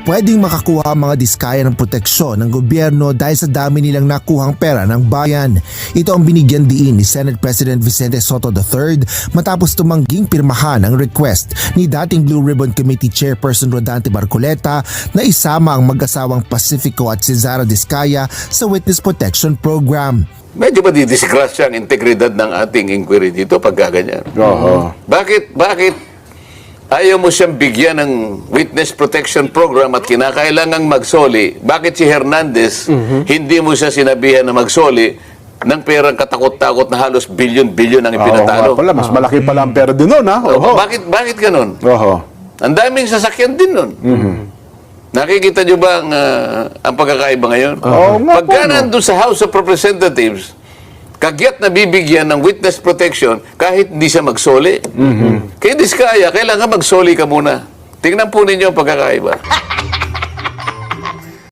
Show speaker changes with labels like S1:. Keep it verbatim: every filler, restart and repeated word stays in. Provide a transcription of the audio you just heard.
S1: pwedeng makakuha ang mga diskaya ng proteksyon ng gobyerno dahil sa dami nilang nakuhang pera ng bayan. Ito ang binigyan diin ni Senate President Vicente Soto the third matapos tumangging pirmahan ang request ni dating Blue Ribbon Committee Chairperson Rodante Barcoleta na isama ang mag-asawang Pacifico at Cesara Diskaya sa Witness Protection Program.
S2: Medyo ba didisgrasya ang integridad ng ating inquiry dito pagka ganyan?
S3: Oo.
S2: Bakit, bakit ayaw mo siyang bigyan ng Witness Protection Program at kinakailangang magsoli? Bakit si Hernandez, hindi mo siya sinabihan na magsoli ng perang katakot-takot na halos bilyon-bilyon ang
S3: Oo
S2: ipinatalo?
S3: nga pala, mas malaki pala ang pera din nun, ha? Oo.
S2: Bakit, bakit ganun?
S3: Oo.
S2: Ang daming sasakyan din nun. Nakikita nyo ba ang, ah, ang pagkakaiba ngayon?
S3: Oo nga
S2: Pagka
S3: po, no?
S2: nandun sa House of Representatives, kagyat na bibigyan ng witness protection kahit hindi siya magsoli. Kaya Diskaya, kailangan magsoli ka muna. Tingnan po ninyo ang pagkakaiba.